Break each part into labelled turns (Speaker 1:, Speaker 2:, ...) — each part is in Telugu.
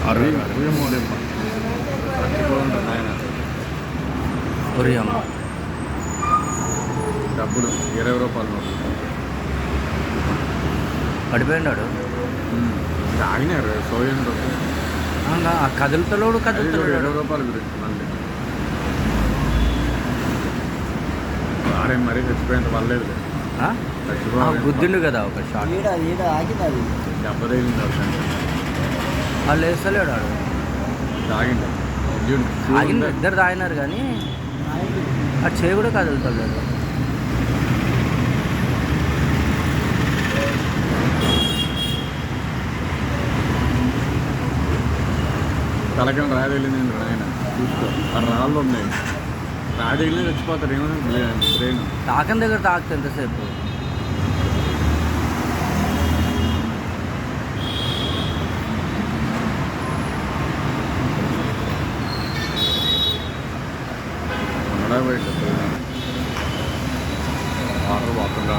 Speaker 1: ఒరియమ్మ
Speaker 2: డబ్బులు 20 రూపాయలు
Speaker 1: పడిపోయినాడు.
Speaker 2: తాగినారు సోయన్
Speaker 1: కదులుతలోడు
Speaker 2: 20 రూపాయల గురించి మళ్ళీ వాడే మరీ చచ్చిపోయేంత పర్లేదు.
Speaker 1: గుద్దిండు కదా ఒక షాట్.
Speaker 2: దెబ్బ తగిలింది
Speaker 1: వాళ్ళు వేస్తలేడు వాడు.
Speaker 2: తాగిండు
Speaker 1: ఆగింది, ఇద్దరు తాగినారు కానీ అది చేయి కూడా కదులుతలేదు.
Speaker 2: తలకం రాయగలిగింది ఆయన చూసుకో. ఆ రాళ్ళు ఉన్నాయి, రాజగిలి చచ్చిపోతారు. ఏమైనా బ్రెయిన్
Speaker 1: తాకం దగ్గర తాకుతా ఎంతసేపు.
Speaker 2: బయట వాటర్ పోకుండా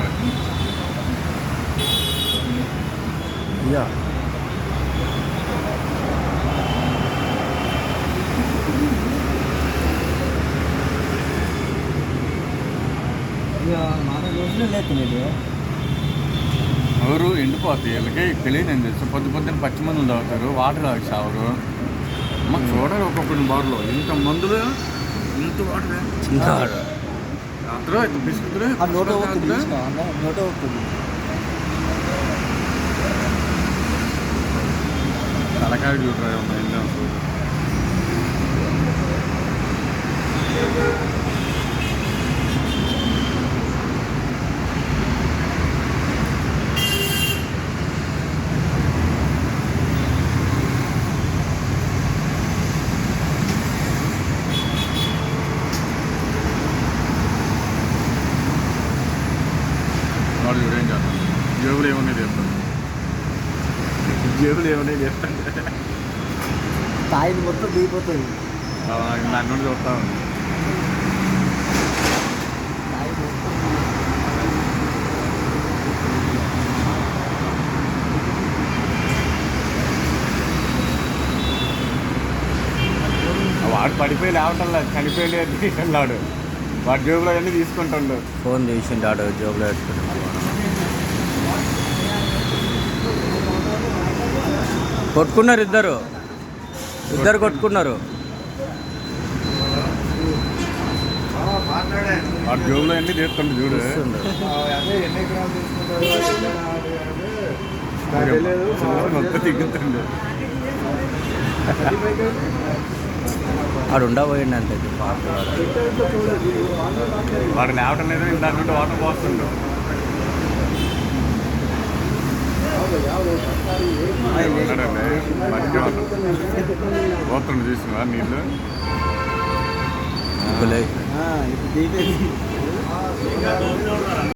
Speaker 2: ఎవరు ఎండిపోతాయి వీళ్ళకి తెలియదు. ఏం తెలుసు పొద్దున్న పచ్చి మందులు తాగుతారు, వాటర్ తాగి సావరు. మాకు చూడాలి ఒక్కొక్కరి బార్లో ఇంత మందులు, ఇంత వాటర్ అందరూ బిస్కెట్లు తలకాయ చూడరా ఉన్నాయి. వాడు చూడేం చేస్తాను, జేబులు ఏమన్నాయి చేస్తాను, జేబులు ఏమన్నాయి చేస్తాను.
Speaker 3: తాయిది మొత్తం దిగిపోతుంది.
Speaker 2: దాని నుండి చూస్తా ఉంది. వాడు పడిపోయి లేవటంలా, చనిపోయి తీసుకెళ్ళాడు. వాడి జేబులో అన్నీ తీసుకుంటాడు.
Speaker 1: ఫోన్ తీసిండు ఆడు జేబులో పెట్టుకుంటాడు. కొట్టుకున్నారు ఇద్దరు కొట్టుకున్నారు.
Speaker 2: వాడి జోబులో అన్నీ తీస్తుండే చూడు. మొత్తం తిగ్గుతుండే.
Speaker 1: వాడు ఉండబోయిండు అంతే.
Speaker 2: వాడు లేవటం లేదు, ఇంత నుండి వాటర్ పోస్తుండు. మంచిగా పోతుండు చూసినవా నీళ్ళు.
Speaker 1: ఇప్పుడు